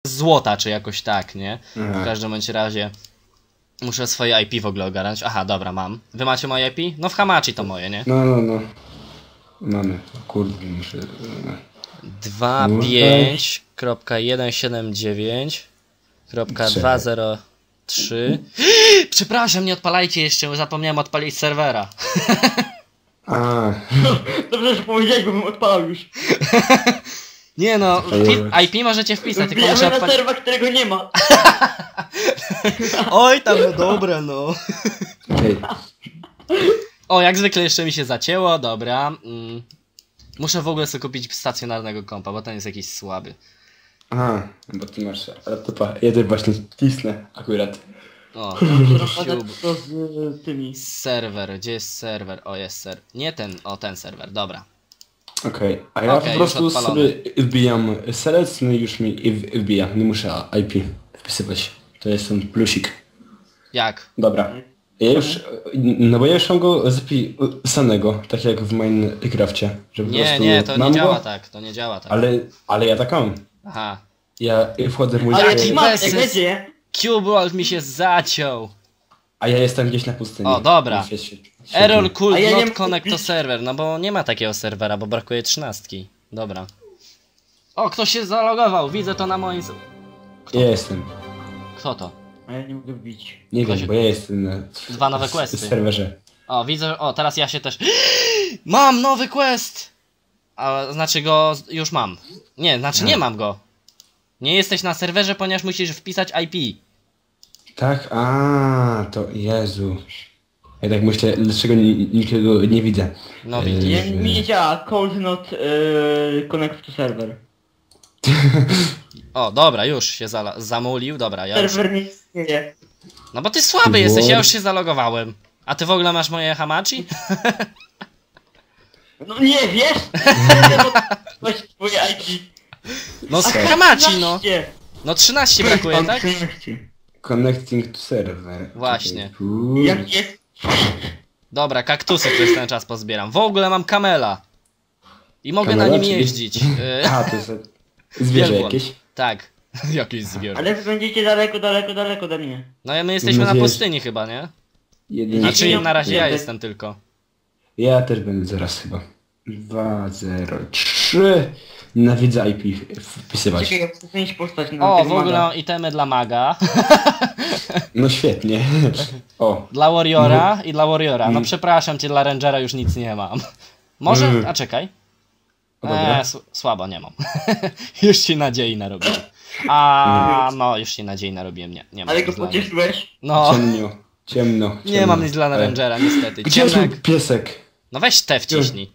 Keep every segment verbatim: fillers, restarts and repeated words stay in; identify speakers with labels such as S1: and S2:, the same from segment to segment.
S1: złota, czy jakoś tak, nie?
S2: Aha.
S1: W każdym bądź razie muszę swoje I P w ogóle ogarnąć. Aha, dobra, mam. Wy macie moje I P? No w Hamachi to moje, nie?
S2: No, no, no. Mamy. Kurde, muszę...
S1: dwa pięć jeden siedem dziewięć dwa zero trzy. Przepraszam, nie odpalajcie jeszcze, zapomniałem odpalić serwera.
S2: A.
S3: Dobrze, że powiedziałeś, bo bym odpalał już.
S1: Nie no, I P możecie wpisać, tylko muszę
S3: Wbijamy na
S1: odpalić.
S3: serwer, którego nie ma.
S1: Oj, tam no dobre, no.
S2: Okej.
S1: O, jak zwykle jeszcze mi się zacięło, dobra. Mm. Muszę w ogóle sobie kupić stacjonarnego kompa, bo ten jest jakiś słaby.
S2: Aha, bo ty masz laptopa. Ja też właśnie cisnę akurat.
S1: O,
S3: Rozpadać to z y, tymi.
S1: serwer, gdzie jest serwer? O, jest serwer. Nie ten, o ten serwer, dobra.
S2: Okej, okay. A ja
S1: Okej,
S2: po prostu
S1: już odpalony.
S2: sobie wbijam selec, no i już mi w- wbija. Nie muszę I P wpisywać. To jest ten plusik.
S1: Jak?
S2: Dobra. Ja już, no bo ja już mam go zapisanego, tak jak w Minecrafcie. Że po
S1: Nie,
S2: prostu
S1: nie, to nie
S2: mam
S1: działa
S2: go,
S1: tak, to nie działa tak.
S2: Ale, ale ja tak mam.
S1: Aha.
S2: Ja wchodzę w mój...
S3: Ale
S1: Jaki
S3: jak masz,
S1: bezsens.
S3: jak będzie.
S1: Cubeworld mi się zaciął.
S2: A ja jestem gdzieś na pustyni.
S1: O, dobra.
S2: Świetnie, świetnie.
S1: Error could
S3: A ja nie
S1: not
S3: mam-
S1: connect to server, no bo nie ma takiego serwera, bo brakuje trzynastki. Dobra. O, ktoś się zalogował, widzę to na moim... z-
S2: Ja jestem.
S1: Kto to?
S3: A ja nie mogę wbić.
S2: Nie
S1: Ktoś-
S2: wiem, bo ja jestem na
S1: Dwa nowe
S2: s-
S1: questy.
S2: serwerze.
S1: O, widzę, o, teraz ja się też... Mam nowy quest! A, znaczy go z- już mam. Nie, znaczy nie mam go. Nie jesteś na serwerze, ponieważ musisz wpisać I P.
S2: Tak? A, to Jezu. Ja tak myślę, dlaczego ni- nikogo nie widzę.
S1: No
S2: E,
S1: widzisz.
S3: Nie, mi nie działa. Cold not y, connect to server.
S1: O, dobra, już się zala- zamulił, dobra, ja już...
S3: Serwer nie istnieje.
S1: No bo ty słaby jesteś, ja już się zalogowałem. A ty w ogóle masz moje Hamachi?
S3: No nie, wiesz? Właśnie twoje I P.
S1: No z
S3: A
S1: Hamachi, no.
S3: trzynaście.
S1: No trzynaście brakuje, tak?
S3: trzynaście.
S2: Connecting to server.
S1: Właśnie.
S2: Czekaj, tu.
S3: Jak jest?
S1: Dobra, kaktusy przez ten czas pozbieram. W ogóle mam kamela. I mogę
S2: Kamera,
S1: na nim
S2: czyli-
S1: jeździć. Y,
S2: A, to jest zwierzę
S1: Wielbłąd.
S2: jakieś?
S1: Tak. Jakieś zwierzę.
S3: Ale wy będziecie daleko, daleko, daleko ode mnie.
S1: No ja my jesteśmy na
S2: nadzieję, że-
S1: pustyni chyba, nie?
S2: Jeden.
S1: Znaczy
S3: Nie,
S1: na razie ja
S3: nie.
S1: jestem tylko.
S2: Ja też będę zaraz chyba. dwa zero trzy. Nienawidzę I P wpisywać.
S3: Czekaj, ja chcę zmienić postać na
S1: O,
S3: tego
S1: w ogóle
S3: maga.
S1: itemy dla maga.
S2: No świetnie. O,
S1: Dla warriora i dla warriora. No
S2: Mm.
S1: przepraszam cię, dla rangera już nic nie mam. Może?
S2: Mm.
S1: A czekaj.
S2: o dobra.
S1: Eee, słabo nie mam. Już ci nadziei narobiłem. A no, już ci nadziei narobiłem. Nie, nie mam
S3: Ale
S1: nic
S3: go
S1: dla mnie.
S3: pocieszyłeś?
S1: No,
S2: Ciemno, ciemno, ciemno.
S1: nie mam nic dla
S2: Ale-
S1: rangera, niestety.
S2: Gdzie jest mój
S1: Ciemnek.
S2: piesek?
S1: No weź te wciśnij.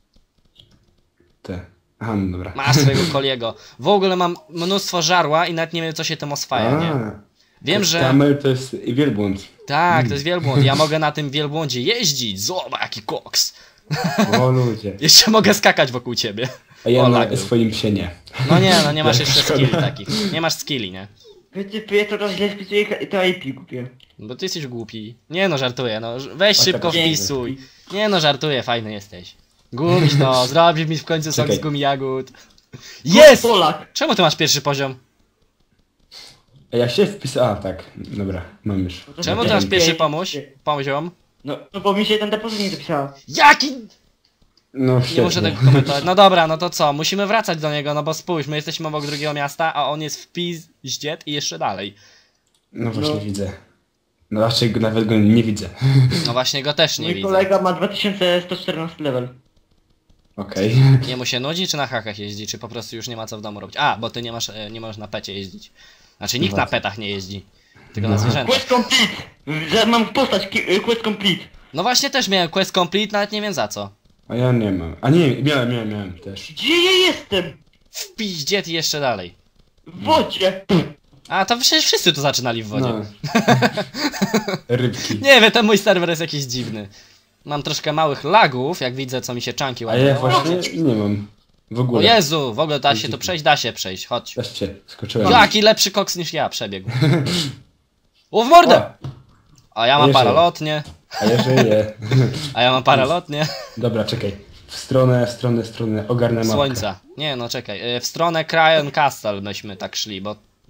S2: Te. Aha, no dobra.
S1: Masz swojego koliego. W ogóle mam mnóstwo żarła i nawet nie wiem co się tym oswaja, nie?
S2: A,
S1: Wiem, że...
S2: Kamel to jest wielbłąd.
S1: Tak, to jest wielbłąd. Ja mogę na tym wielbłądzie jeździć. Zobacz, jaki koks.
S2: O ludzie.
S1: Jeszcze mogę skakać wokół ciebie.
S2: A ja
S1: O,
S2: na
S1: lag był.
S2: swoim psie nie.
S1: No nie, no nie masz
S2: Jak
S1: jeszcze
S2: szkoda.
S1: skilli takich. Nie masz skilli, nie?
S3: Wytypuję to raz źle wpisuję i to I P kupię.
S1: Bo ty jesteś głupi. Nie no, żartuję, no. Weź
S2: O,
S1: szybko
S2: tak.
S1: wpisuj. Nie no, żartuję, fajny jesteś. Gumiś no, zrobisz mi w końcu sok
S2: Czekaj.
S1: z gumi jagód. Jest!
S3: Polak!
S1: Czemu ty masz pierwszy poziom?
S2: A ja się wpisałem. A, tak. Dobra, mam już.
S1: Czemu ty
S2: Okej.
S1: masz pierwszy pomóż? Poziom?
S3: No, no bo mi się ten depozyt nie zapisała.
S1: Jaki?
S2: No
S1: Nie
S2: świetnie.
S1: muszę tego komentować. No dobra, no to co? Musimy wracać do niego, no bo spójrz, my jesteśmy obok drugiego miasta, a on jest w Pizdziet i jeszcze dalej.
S2: No właśnie
S3: No.
S2: widzę. No raczej go, nawet go nie widzę.
S1: No właśnie go też nie
S3: Mój
S1: widzę.
S3: kolega ma dwa tysiące sto czternasty level.
S2: Okej.
S1: Nie mu się nudzi, czy na hakach jeździ, czy po prostu już nie ma co w domu robić? A, bo ty nie masz, e, nie możesz na pecie jeździć. Znaczy nikt na petach nie jeździ, tylko na
S2: No.
S1: zwierzętach.
S3: Quest complete! Że mam postać, ki- y, quest complete.
S1: No właśnie też miałem quest complete, nawet nie wiem za co.
S2: A ja nie mam. A nie, miałem, miałem, miałem też.
S3: Gdzie ja jestem?
S1: W Pizdziet i jeszcze dalej.
S3: W wodzie!
S1: A, to przecież wszyscy tu zaczynali w wodzie.
S2: No. Rybki.
S1: Nie wiem, ten mój serwer jest jakiś dziwny. Mam troszkę małych lagów, jak widzę, co mi się czanki
S2: A
S1: ładują.
S2: ja właśnie nie mam. W
S1: O
S2: ogóle.
S1: Jezu, w ogóle da się tu przejść? Da się przejść, chodź.
S2: Też cię skoczyłem.
S1: Jaki lepszy koks niż ja przebiegł. O, w mordę!
S2: O,
S1: A ja
S2: A
S1: mam
S2: jeszcze-
S1: paralotnie,
S2: a ja żyję.
S1: a ja mam paralotnie.
S2: Dobra, czekaj. W stronę, w stronę, w stronę. Ogarnę mapkę.
S1: Słońca. Nie no, czekaj. y, W stronę Cryon Castle myśmy tak szli, bo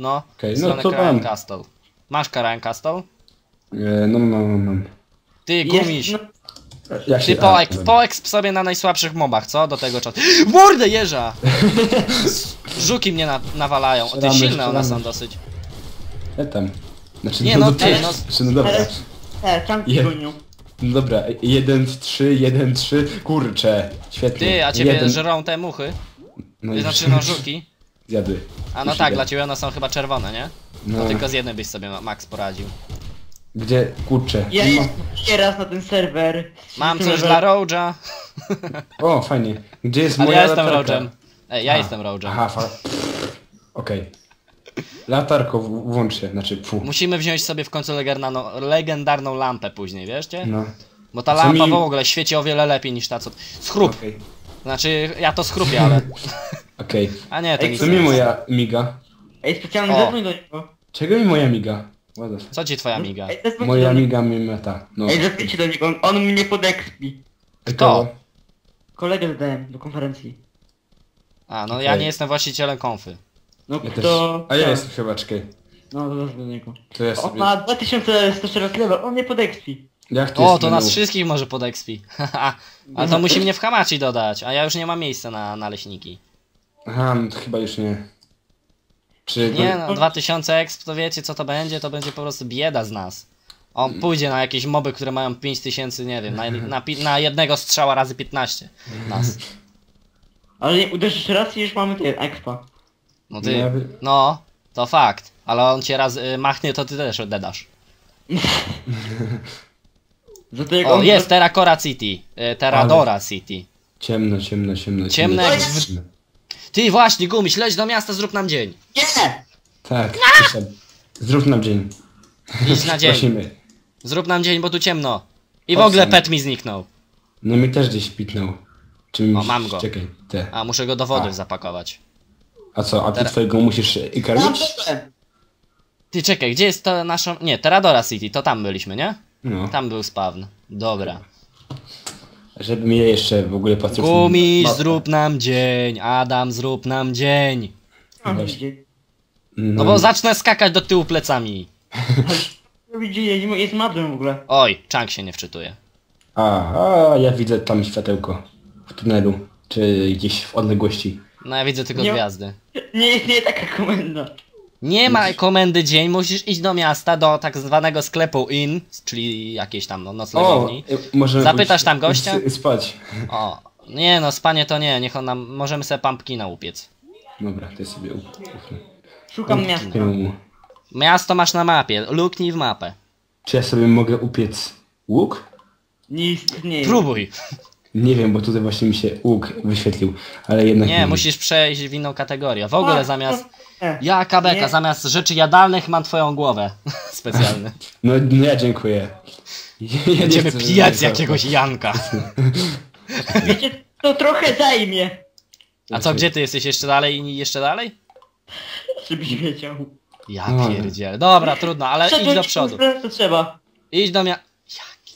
S1: No,
S2: Okej,
S1: w
S2: no
S1: stronę
S2: to
S1: Carajan
S2: mam.
S1: Castle. Masz Carajan Castle?
S2: E, no mam, mam, mam.
S1: Ty, gumiś.
S3: Jest, no,
S2: Jak
S1: Ty
S2: się...
S1: poek,
S2: a,
S1: poexp sobie na najsłabszych mobach, co? Do tego czasu. W mordę jeża! Żuki mnie na, nawalają. O, ty
S2: Strzelamy,
S1: silne one są
S2: strzelamy.
S1: dosyć.
S2: Ja tam. Znaczy,
S1: Nie, no
S2: to
S1: ty,
S2: też.
S1: no-
S2: Znaczy, no dobra.
S3: ale... E, czanki
S2: Je-
S3: gonią.
S2: No dobra, jeden, trzy, jeden, trzy. Kurczę, świetnie.
S1: Ty, a ciebie
S2: jeden...
S1: żrą te muchy?
S2: No i
S1: Znaczy no żuki.
S2: zjadły.
S1: A no
S2: Już
S1: tak,
S2: idę.
S1: dla ciebie one są chyba czerwone, nie?
S2: No,
S1: To tylko z jednej byś sobie ma- Max poradził.
S2: gdzie, kurczę.
S3: Ja
S2: Ma-
S3: jeszcze raz na ten serwer.
S1: Mam coś
S3: Serwer-
S1: dla Roja.
S2: O, fajnie. Gdzie jest
S1: Ale
S2: moja
S1: ja jestem
S2: latarka?
S1: Rojem. Ej, ja
S2: A,
S1: jestem Rojem.
S2: Aha, fa... Okej. Latarko w- włącz się, znaczy fu.
S1: Musimy wziąć sobie w końcu legendarną, legendarną lampę później, wieszcie?
S2: No.
S1: Bo ta
S2: Co
S1: lampa
S2: mi-
S1: w ogóle świeci o wiele lepiej niż ta co... Schrup!
S2: Okej.
S1: Znaczy, ja to schrupię, ale...
S2: Okej.
S1: A nie, to
S3: Ej,
S1: nic
S2: Co
S1: nie
S2: mi
S1: jest.
S2: moja miga?
S3: Ej, specjalny
S1: O.
S3: zadzwoń do niego.
S2: Czego mi moja miga? What the f-
S1: Co ci twoja miga?
S3: Ej, zadzwoń
S2: Moja
S3: do niego.
S2: miga mi meta. No.
S3: Ej, zadzwońcie do niego, on, on mnie podekspi.
S1: Kto?
S3: Kolegę dodałem do konferencji.
S1: A, no
S2: Okej.
S1: ja nie jestem właścicielem konfy.
S3: No
S2: Ja też.
S3: kto...
S2: A ja
S3: kto?
S2: jestem chyba, czekaj.
S3: No, zadzwoń do niego.
S2: To ja
S3: On
S2: sobie...
S3: ma dwa tysiące sto cztery level, on mnie podekspi.
S2: Jak to
S1: O,
S2: jest
S1: to nas
S2: menu?
S1: wszystkich może pod expi. Ale to musi mnie w Hamachi dodać, a ja już nie mam miejsca na naleśniki.
S2: Aha, no to chyba już nie. Czy...
S1: Nie no, dwa tysiące exp, to wiecie co to będzie? To będzie po prostu bieda z nas. On pójdzie na jakieś moby, które mają pięć tysięcy, nie wiem, na, na, pi- na jednego strzała razy piętnaście nas.
S3: Ale nie, uderzysz raz i już mamy ten expa.
S1: No ty,
S2: No,
S1: no, to fakt. Ale on cię raz y, machnie, to ty też oddasz.
S3: Za to jak
S1: O,
S3: on...
S1: jest Terracora City, y, Terradora City.
S2: Ciemno, ciemno, ciemno.
S1: Ciemne
S2: ciemno.
S1: jak w- Ty właśnie, Gumiś, leć do miasta, zrób nam dzień.
S3: Nie!
S2: Tak, przyszedł. Zrób nam dzień.
S1: Idź na dzień.
S2: Prosimy.
S1: Zrób nam dzień, bo tu ciemno. I w
S2: Owszem.
S1: ogóle pet mi zniknął.
S2: No mi też gdzieś pitnął. Czy mi...
S1: O, mam go.
S2: Czekaj, te.
S1: A, muszę go do wody
S2: A.
S1: zapakować.
S2: A co, a ty
S1: Tera-
S2: twojego musisz y,
S3: Mam
S2: karmić?
S3: byłem.
S1: Ty czekaj, gdzie jest to nasza... Nie, Terradora City, to tam byliśmy, nie?
S2: No.
S1: Tam był spawn. Dobra.
S2: Żeby mnie jeszcze w ogóle patrzeć...
S1: Gumiś,
S2: Ma-
S1: zrób nam dzień. Adam, zrób nam dzień.
S3: Mam
S2: Właśnie.
S3: widzieć.
S1: No bo zacznę skakać do tyłu plecami.
S3: Widzicie, jest madłem w ogóle.
S1: Oj, Chunk się nie wczytuje.
S2: A, a, ja widzę tam światełko. W tunelu. Czy gdzieś w odległości.
S1: No ja widzę tylko
S3: Nie-
S1: gwiazdy.
S3: Nie istnieje taka komenda.
S1: Nie ma komendy dzień, musisz iść do miasta, do tak zwanego sklepu inn, czyli jakiejś tam no, noclegowni.
S2: y, możemy
S1: Zapytasz
S2: pójść
S1: tam gościa?
S2: s- Spać.
S1: O, nie no, spanie to nie, niech on nam, możemy sobie pumpkina upiec.
S2: Dobra, to sobie up- ufnę.
S3: Szukam miasta.
S2: Pię-
S1: Miasto masz na mapie, luknij w mapę.
S2: Czy ja sobie mogę upiec łuk?
S3: Nie istnieje.
S1: Próbuj.
S2: Nie wiem, bo tutaj właśnie mi się łuk wyświetlił, ale jednak
S1: Nie, musisz przejść w inną kategorię. W ogóle
S3: A,
S1: zamiast...
S3: nie.
S1: Ja, Kabeka,
S3: Nie.
S1: zamiast rzeczy jadalnych mam twoją głowę. Specjalny.
S2: No, no ja dziękuję. Ja nie
S1: Będziemy
S2: chcę,
S1: pijać
S2: żeby-
S1: jakiegoś Janka.
S3: Wiecie, to trochę zajmie.
S1: A co, gdzie ty jesteś? Jeszcze dalej i jeszcze dalej?
S3: Żebyś wiedział.
S1: Ja
S2: No.
S1: pierdzielę. Dobra, trudno, ale idź do
S3: Przedłużyć
S1: przodu.
S3: konferencję To trzeba.
S1: Idź do mia... Jaki?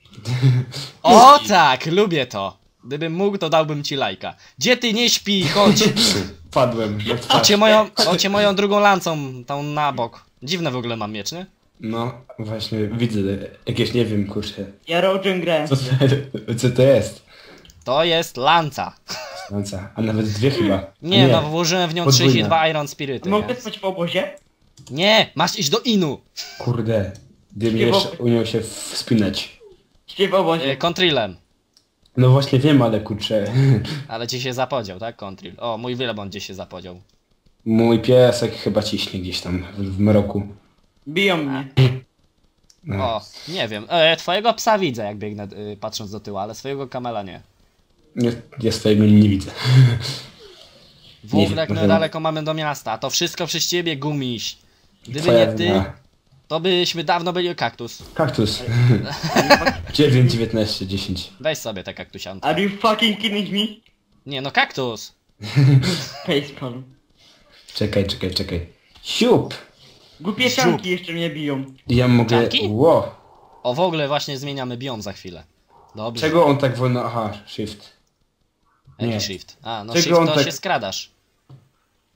S1: O tak, lubię to. Gdybym mógł, to dałbym ci lajka. Gdzie ty nie śpi? Chodź.
S2: Padłem. na twarz.
S1: Ocie moją, ocie moją drugą lancą, tą na bok. Dziwne w ogóle mam miecz, nie?
S2: No, właśnie widzę jakieś, nie wiem, kurczę.
S3: Ja Rogen grę.
S2: Co to, co to jest?
S1: To jest lanca.
S2: Lanca. A nawet dwie chyba.
S1: Nie,
S2: A
S1: no włożyłem w nią
S2: Podwójna.
S1: trzydzieści dwa Iron Spirity.
S3: Mogę
S1: Nie?
S3: spać w obozie?
S1: nie, masz iść do Inu.
S2: Kurde. Gdybym
S3: Śpiewał-
S2: jeszcze umiał się wspinać.
S3: Śpię w obozie.
S1: Y, Contrillem.
S2: No właśnie wiem, ale kurczę.
S1: Ale ci się zapodział, tak? Contrill. O, mój wielebłąd gdzieś się zapodział.
S2: Mój piesek chyba ciśnie gdzieś tam w, w mroku.
S3: Biją mnie.
S2: No.
S1: O, nie wiem. E, twojego psa widzę, jak biegnę y, patrząc do tyłu, ale swojego kamela nie.
S2: Nie, ja swojego nie widzę.
S1: W
S2: Nie
S1: ogóle
S2: wiem,
S1: jak my
S2: może-
S1: daleko mamy do miasta, a to wszystko przez ciebie, Gumiś. Gdyby
S2: Twoja
S1: nie ty,
S2: wina.
S1: to byśmy dawno byli kaktus.
S2: Kaktus. dziewięć, dziewiętnaście, dziesięć.
S1: Weź sobie te kaktusianki.
S3: Are you fucking kidding me?
S1: Nie no, kaktus.
S3: Facepalm.
S2: Czekaj, czekaj, czekaj. Siup!
S3: Głupie czanki jeszcze mnie biją.
S2: Ja mogę...
S1: Czanki?
S2: Ło!
S1: O, w ogóle właśnie zmieniamy biom za chwilę. Dobrze.
S2: Czego on tak wolno... Aha, shift.
S1: Jaki
S2: nie.
S1: shift? A, no
S2: Czego
S1: shift
S2: on
S1: to
S2: tak-
S1: się skradasz.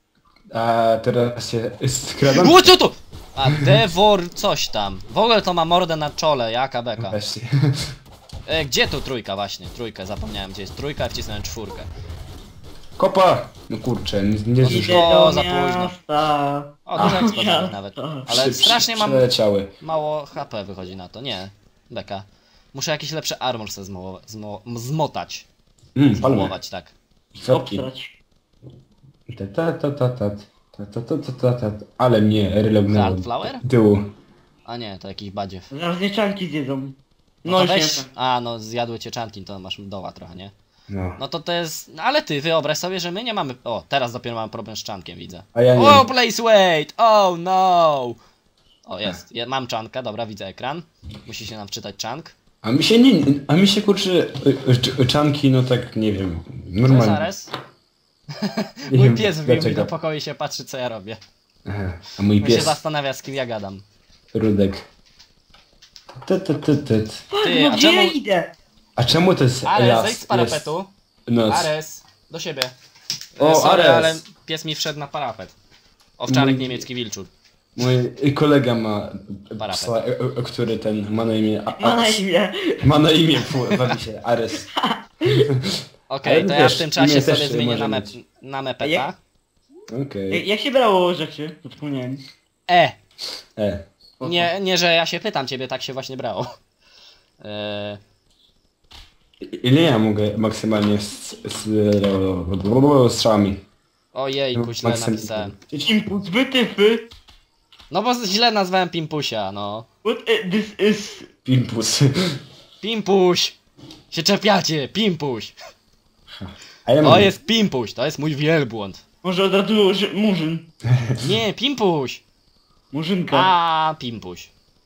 S2: A teraz się skradam.
S1: O, co tu? A Devor coś tam. W ogóle to ma mordę na czole, jaka beka.
S2: Właśnie.
S1: E, gdzie tu trójka właśnie? Trójkę, zapomniałem gdzie jest trójka, wcisnąłem czwórkę.
S2: Kopa! No kurczę, nie, nie
S1: Idę
S2: zdążyłem.
S1: O,
S3: do
S1: za późno.
S3: miasta.
S1: O, dużo
S3: Do
S1: eksplozji
S3: miasta.
S1: nawet.
S2: Przy-
S1: Ale
S2: przy-
S1: strasznie mam
S2: Przeleciały.
S1: mało H P wychodzi na to, nie. Beka. Muszę jakiś lepszy armor sobie zmo zmo zmotać.
S2: Mm, palmy.
S1: Zmołować, tak.
S2: Kropki.
S3: Obstrać.
S2: Ta ta ta ta ta ta ta ta ta ta ta. Ale mnie relognęło.
S1: Hardflower?
S2: Tyłu.
S1: A nie, to jakiś badziew.
S3: Zaraz mieszanki zjedzą.
S1: No,
S3: No
S1: to
S3: już
S1: weź...
S3: nie.
S1: A, no zjadły cię czanki, to masz doła trochę, nie?
S2: No.
S1: No to to jest... No, ale ty, wyobraź sobie, że my nie mamy... O, teraz dopiero mamy problem z czankiem, widzę.
S2: A ja nie.
S1: Oh, place wait! Oh no! O, jest. Ja mam czankę, dobra, widzę ekran. Musi się nam wczytać czank.
S2: A mi się nie... A mi się kurczy... y, y, Czanki, no tak, nie wiem.
S1: To jest
S2: Normalnie.
S1: Ares.
S2: Nie
S1: Mój
S2: wiem,
S1: pies wbił mi
S2: dlaczego.
S1: do pokoju i się patrzy, co ja robię.
S2: Aha. A mój
S1: On się
S2: pies,
S1: zastanawia, z kim ja gadam.
S2: Rudek. Ty, ty, ty, ty.
S1: Ty,
S3: No
S1: a
S3: gdzie ja
S1: czemu...
S3: idę?
S2: A czemu to jest
S1: Ares,
S2: las?
S1: zejdź z parapetu.
S2: Jest noc.
S1: Ares, do siebie.
S2: O,
S1: O, Sorry,
S2: Ares.
S1: ale pies mi wszedł na parapet. Owczarek
S2: Mój-
S1: niemiecki wilczur.
S2: Mój kolega ma
S1: Parapet.
S2: psa, e, e, który ten ma na imię... A,
S3: Ma na
S2: a,
S3: imię.
S2: ma na imię, fu, bawi się, Ares.
S1: Okej,
S2: Ale
S1: to ja
S2: wiesz,
S1: w tym czasie
S2: imię
S1: sobie
S2: też
S1: zmienię
S2: może
S1: na, me
S2: mieć.
S1: na mepeta.
S3: Jak-
S2: Okej.
S3: Jak- Jak się brało rzeczy? Zapomniałem.
S1: E!
S2: E.
S1: Nie, nie, że ja się pytam ciebie, tak się właśnie brało. Eee,
S2: Ile ja mogę maksymalnie z, z, z strzałami?
S1: ojejku, źle
S2: Maksymalnie.
S1: napisałem.
S3: Impuls wytyfy.
S1: No bo źle nazwałem Pimpusia, no.
S3: What i- this is...
S2: Pimpus.
S1: Pimpuś! Się czepiacie, Pimpuś!
S2: A ja
S1: To
S2: mam...
S1: jest Pimpuś, to jest mój wielbłąd.
S3: Może od razu że- murzyn.
S1: Nie, Pimpuś!
S3: Murzynka.
S1: A, Pimpuś.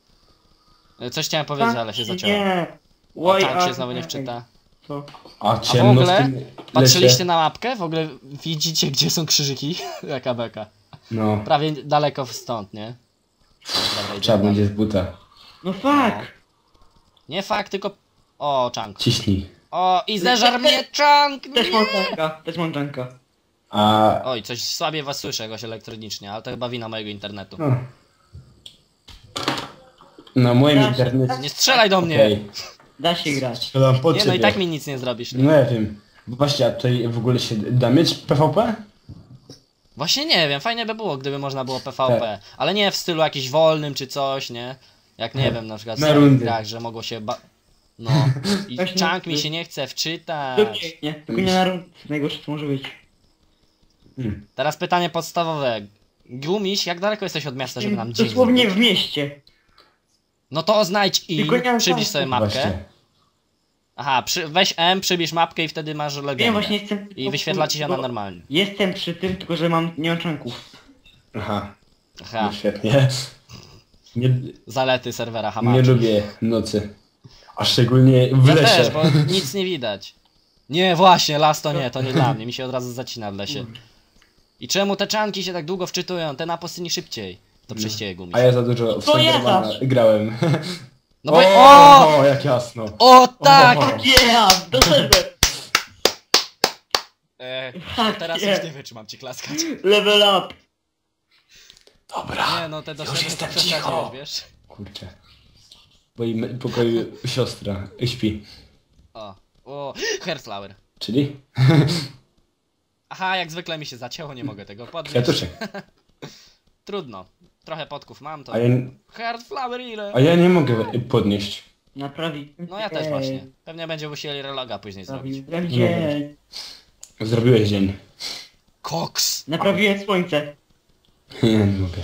S1: E, Coś chciałem powiedzieć, ale się zaciąłem.
S3: Nie.
S1: O,
S3: Why
S1: tak się
S3: are-
S1: znowu nie wczyta.
S3: Co?
S2: A
S1: A w
S2: ciemno
S1: ogóle,
S2: w tym lesie.
S1: patrzyliście na mapkę? W ogóle widzicie, gdzie są krzyżyki? Jaka beka.
S2: No,
S1: Prawie daleko stąd, nie? Dobra,
S2: trzeba
S1: idziemy.
S2: będzie z buta.
S3: No fuck.
S1: Nie fakt, tylko... O, czank.
S2: Ciśnij.
S1: O, i zeżar mnie czank!
S3: Też
S1: Nie!
S3: mam czanka. Też mam czanka.
S2: A...
S1: Oj, coś słabiej was słyszę jakoś elektronicznie, ale to chyba wina mojego internetu.
S2: No. Na moim
S3: Ja się-
S2: internecie...
S1: Nie strzelaj do mnie!
S2: Okej.
S3: Da się grać.
S2: Strzelam po
S1: Nie, no
S2: ciebie.
S1: i tak mi nic nie zrobisz.
S2: No ja wiem. Bo właśnie, a tutaj w ogóle się da mieć P V P?
S1: Właśnie nie wiem, fajnie by było, gdyby można było P V P. Ale nie w stylu jakiś wolnym czy coś, nie? Jak nie wiem, na przykład w
S2: Na
S1: starych
S2: rundy.
S1: grach, że mogło się ba... No. I
S3: Właśnie-
S1: czank mi się nie chce wczytać.
S3: Dokładnie. Nie, tylko nie na rund. Najgorsze co może być.
S2: Hmm.
S1: Teraz pytanie podstawowe. Gumiś, jak daleko jesteś od miasta, żeby nam dzień
S3: Dosłownie
S1: zrobić?
S3: w mieście.
S1: No to znajdź i
S3: Tylko nie mam
S1: przybliż
S3: czasu.
S1: sobie mapkę.
S2: Właśnie.
S1: Aha, przy, weź M, przybliż mapkę i wtedy masz legendę.
S3: Wiem, właśnie jestem...
S1: I wyświetla ci się ona
S3: tylko-
S1: normalnie.
S3: Jestem przy tym, tylko że mam... nie mam czanków.
S2: Aha,
S1: Aha,
S2: no świetnie. Nie,
S1: zalety serwera
S2: nie
S1: Hamachi.
S2: lubię nocy. A szczególnie w
S1: Ja
S2: lesie.
S1: też, bo nic nie widać. Nie, właśnie, las to nie, to nie dla mnie, mi się od razu zacina w lesie. I czemu te czanki się tak długo wczytują, te na pustyni szybciej? To prześcieje Gumiś.
S2: A ja za dużo w
S3: To ja
S2: Slendermana
S3: zawsze.
S2: grałem.
S1: No bo...
S2: o,
S1: O!
S2: jak jasno.
S1: O tak!
S2: O.
S3: Yeah! Do serwer!
S1: E,
S3: Tak,
S1: teraz
S3: nie.
S1: już nie wytrzymam ci klaskać.
S3: Level up!
S2: Dobra.
S1: Nie no, te
S2: Już
S1: doświadczenia
S2: jestem
S1: przesadziłeś,
S2: cicho.
S1: wiesz?
S2: Kurczę. W moim pokoju siostra śpi.
S1: O, o, Hairflower.
S2: Czyli?
S1: Aha, jak zwykle mi się zacięło, nie mogę tego podnieść.
S2: Kwiatuszek.
S1: Trudno. Trochę podków mam, to...
S2: A ja,
S1: Hairflower ile?
S2: a ja nie mogę podnieść.
S3: Naprawi.
S1: No ja też właśnie. Pewnie będzie musieli reloga później zrobić.
S3: Naprawi dzień.
S2: Zrobiłeś dzień.
S1: Koks!
S3: Naprawiłem słońce.
S2: Nie, nie mogę.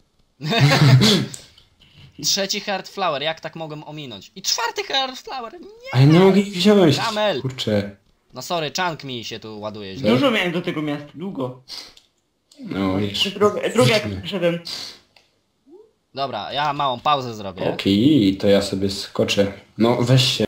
S1: Trzeci Heartflower, jak tak mogłem ominąć? I czwarty Heartflower! Nie!
S2: A ja nie mogę ich wziąć.
S1: Kamel.
S2: Kurczę.
S1: No sorry, chunk mi się tu ładuje źle.
S3: Dużo miałem do tego miasta, długo.
S2: No wiesz.
S3: Drugie, drugie jak przyszedłem.
S1: Dobra, ja małą pauzę zrobię.
S2: Okej, to ja sobie skoczę. No weź się.